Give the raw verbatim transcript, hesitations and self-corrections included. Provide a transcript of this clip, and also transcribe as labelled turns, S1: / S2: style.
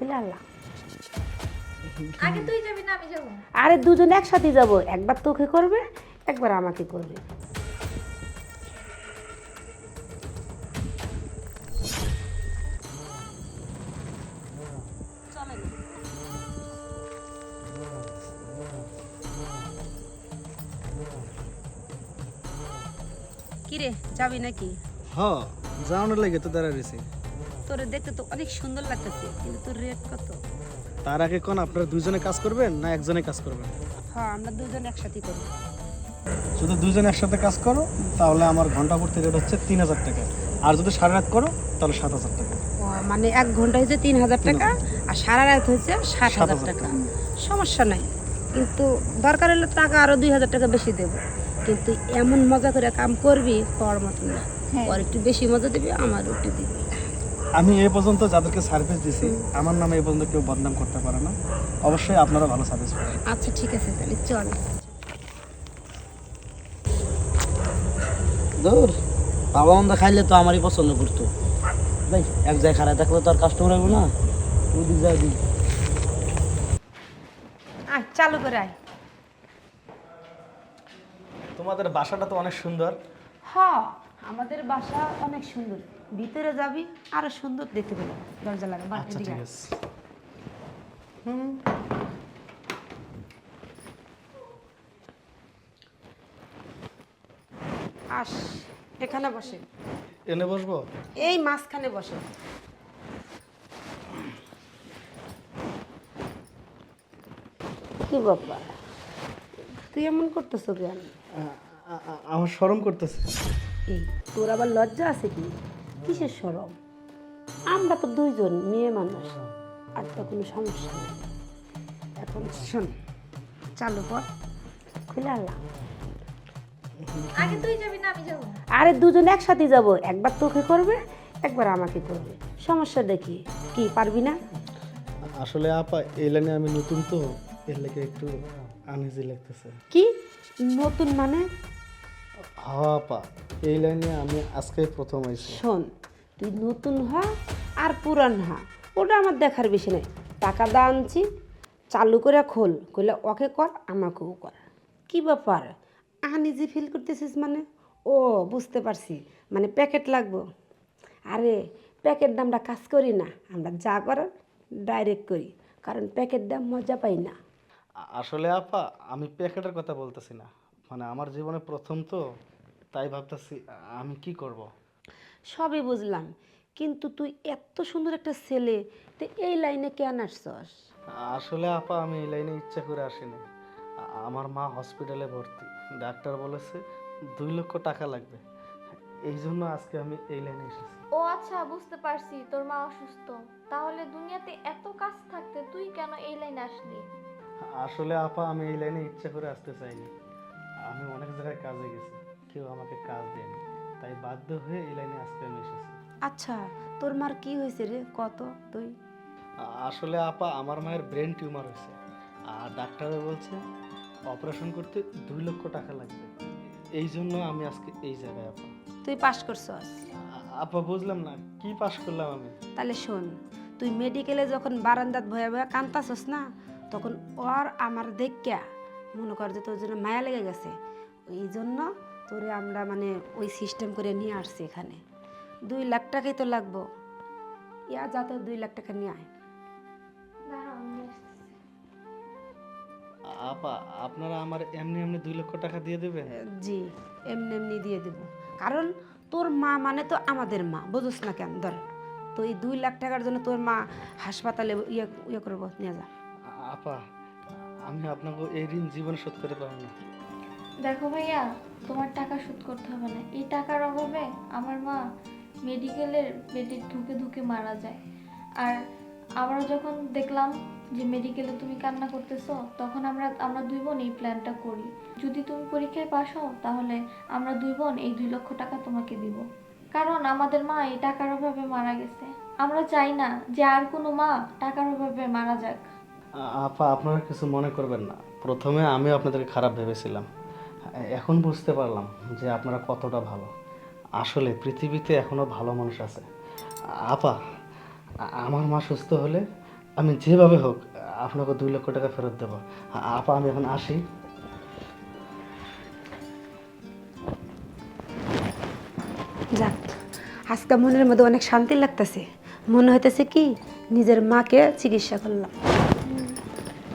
S1: খুলে আল্লাহ।
S2: আগে তুই যাবি না আমি যাব?
S1: আরে দুজন একসাথে যাব, একবার তোকে করবে একবার আমাকে করবে। কিরে যাবি নাকি?
S3: হ্যাঁ, যাওয়ানোর লাগে তো দাঁড়া রয়েছি।
S1: তোরে দেখতে তো অনেক সুন্দর লাগতেছে, কিন্তু তোর রেট কত?
S3: তার আগে কোন আপনারা দুইজনে কাজ করবেন না একজনে কাজ করবেন?
S1: হ্যাঁ, আমরা দুজন একসাথে করব।
S3: যদি দুইজনে একসাথে কাজ করো তাহলে আমার ঘন্টা প্রতি রেট হচ্ছে তিন হাজার টাকা, আর যদি সারা রাত করো তাহলে সাত হাজার টাকা।
S1: ও মানে এক ঘন্টা হচ্ছে তিন হাজার টাকা আর সারা রাত হচ্ছে সাত হাজার টাকা। সমস্যা নাই, কিন্তু দরকার হলে টাকা আরো দুই হাজার টাকা বেশি দেবো, কিন্তু এমন মজা করে কাম করবি কর মতো না। আর একটু বেশি মজা দিবি, আমার একটু দিবি।
S3: আমি এ পর্যন্ত যাদেরকে সার্ভিস দিছি আমার নামে এ পর্যন্ত কেউ বদনাম করতে পারে না। অবশ্যই আপনারা ভালো সার্ভিস পাবেন।
S1: আচ্ছা ঠিক আছে, তাহলে চল।
S4: দূর বাবা মন্দ খাইলে তো আমারই পছন্দ করতো ভাই, এক জায়গায় খারাপ থাকলে তো আর কাস্টমার আসবো না। তুই দিক যাবি
S1: আয় চালু করে আয়।
S3: তোমাদের বাসাটা তো অনেক সুন্দর।
S1: হ্যাঁ, আমাদের বাসা অনেক সুন্দর, ভিতরে যাবি আরো সুন্দর দেখতে পেলো। দরজা লাগা বাড়ি
S3: আচ্ছা
S1: দিকে
S3: ঠিক
S1: আয়।
S3: আছে।
S1: আস, এখানে বসে,
S3: এনে বসবো?
S1: এই মাঝখানে বসে। কি বাবা, তুই এমন করতেছ কেন?
S3: আ- আ- আ- আমার শরম করতেছে।
S1: এই তোর আবার লজ্জা আছে কি? কিসের শরম? আমরা তো দুইজন মেয়ে মানুষ, আর তো কোনো সমস্যা নেই। এখন শোন, চালু কর, খুলে আল্লাহ।
S2: আগে তুই যাবি না আমি যাব?
S1: আরে দুজন একসাথে যাব, একবার তোকে করবে একবার আমাকে করবে। সমস্যা দেখি কি, পারবি না?
S3: আসলে আপা এই লাইনে আমি নতুন তো, এর লেগে একটু আনইজি লাগতেছে।
S1: কি নতুন মানে?
S3: হ্যাঁ আপা, এই লাইনে আমি আজকে প্রথম আইছি।
S1: শোন, তুই নতুন হ আর পুরান হ, ওটা আমার দেখার বেশি নাই। টাকা দা আনছি, চালু করে খোল, কইলে ওকে কর আমাকেও কর। কি ব্যাপার, আনইজি ফিল করতেছিস মানে? ও বুঝতে পারছি, মানে প্যাকেট লাগবো। আরে প্যাকেট দামটা কাজ করি না, আমরা যা করার ডাইরেক্ট করি, কারণ প্যাকেট দাম মজা পাই না।
S3: আ- আসলে আপা আমি প্যাকেটের কথা বলতেছি না, মানে আমার জীবনে প্রথম তো, তাই ভাবতেছি আমি কি করব।
S1: সবই বুঝলাম, কিন্তু তুই এত সুন্দর একটা ছেলে, তো এই লাইনে কেন আসছস?
S3: আসলে আপা আমি এই লাইনে ইচ্ছা করে আসিনি। আ- আমার মা হসপিটালে ভর্তি, ডাক্তার বলেছে দুই লক্ষ টাকা লাগবে, এই জন্য আজকে আমি এই লাইনে এসেছি।
S2: ও আচ্ছা, বুঝতে পারছি তোর মা অসুস্থ। তাহলে দুনিয়াতে এত কাজ থাকতে তুই কেন এই লাইনে আসলি?
S3: আসলে আপা আমি এই লাইনে ইচ্ছা করে আসতে চাইনি, আমি অনেক জায়গায় কাজে গেছি, কেউ আমাকে কাজ দেয়নি, তাই বাধ্য হয়ে এই লাইনে আজকে আমি এসেছি।
S1: আচ্ছা, তোর মার কি হয়েছে রে, কত তুই?
S3: আ- আসলে আপা আমার মায়ের ব্রেন টিউমার হয়েছে, আর ডাক্তারে বলছে অপারেশন করতে দুই লক্ষ টাকা লাগবে, এই জন্য আমি আজকে এই জায়গায় আপা।
S1: তুই পাস করছস?
S3: আ- আপা বুঝলাম না কি পাশ করলাম আমি?
S1: তাহলে শোন, তুই মেডিকেলে যখন বারান্দাত ভয়ে ভয়ে কান্তাছস না, তখন ওর আমার দেখা মনে কর যে তোর জন্য মায়া লেগে গেছে, এই জন্য তোরে আমরা মানে ওই সিস্টেম করে নিয়ে আসছি এখানে। দুই লাখ টাকাই তো লাগবো, ইয়া যা তো দুই লাখ টাকা নিয়ে আয়।
S2: দাঁড়াও, আমি আসতেছি।
S3: আ- আপা আপনারা আমার এমনি এমনি দুই লক্ষ টাকা দিয়ে দেবেন?
S1: জি, এমনি এমনি দিয়ে দেব, কারণ তোর মা মানে তো আমাদের মা, বুঝোস না কেন? ধর, তো এই দুই লাখ টাকার জন্য তোর মা হাসপাতালে ইয়ে ইয়ে করবো, নিয়ে যা।
S3: আ- আপা আমি আপনাকে এই ঋণ জীবনে শোধ করে পারবো না।
S2: দেখো ভাইয়া, তোমার টাকা শোধ করতে হবে না। এই টাকার অভাবে আমার মা মেডিকেলের বেডে ধুকে ধুকে মারা যায়। আর আমরা যখন দেখলাম যে মেডিকেলে তুমি কান্না করতেছো, তখন আমরা আমরা দুই বোন এই প্ল্যানটা করি। যদি তুমি পরীক্ষায় পাস হও, তাহলে আমরা দুই বোন এই দুই লক্ষ টাকা তোমাকে দিব। কারণ আমাদের মা এই টাকার অভাবে মারা গেছে। আমরা চাই না যে আর কোনো মা টাকার অভাবে মারা যাক।
S3: আ- আপা আপনারা কিছু মনে করবেন না, প্রথমে আমি আপনাদেরকে খারাপ ভেবেছিলাম, এখন বুঝতে পারলাম যে আপনারা কতটা ভালো। আসলে পৃথিবীতে এখনো ভালো মানুষ আছে। আপা আ- আমার মা সুস্থ হলে আমি যেভাবে হোক আপনাকে দুই লক্ষ টাকা ফেরত দেবো। আ- আপা আমি এখন আসি।
S1: যাক, আজকে মনের মধ্যে অনেক শান্তি লাগতেছে। মনে হইতেছে কি নিজের মাকে চিকিৎসা করলাম।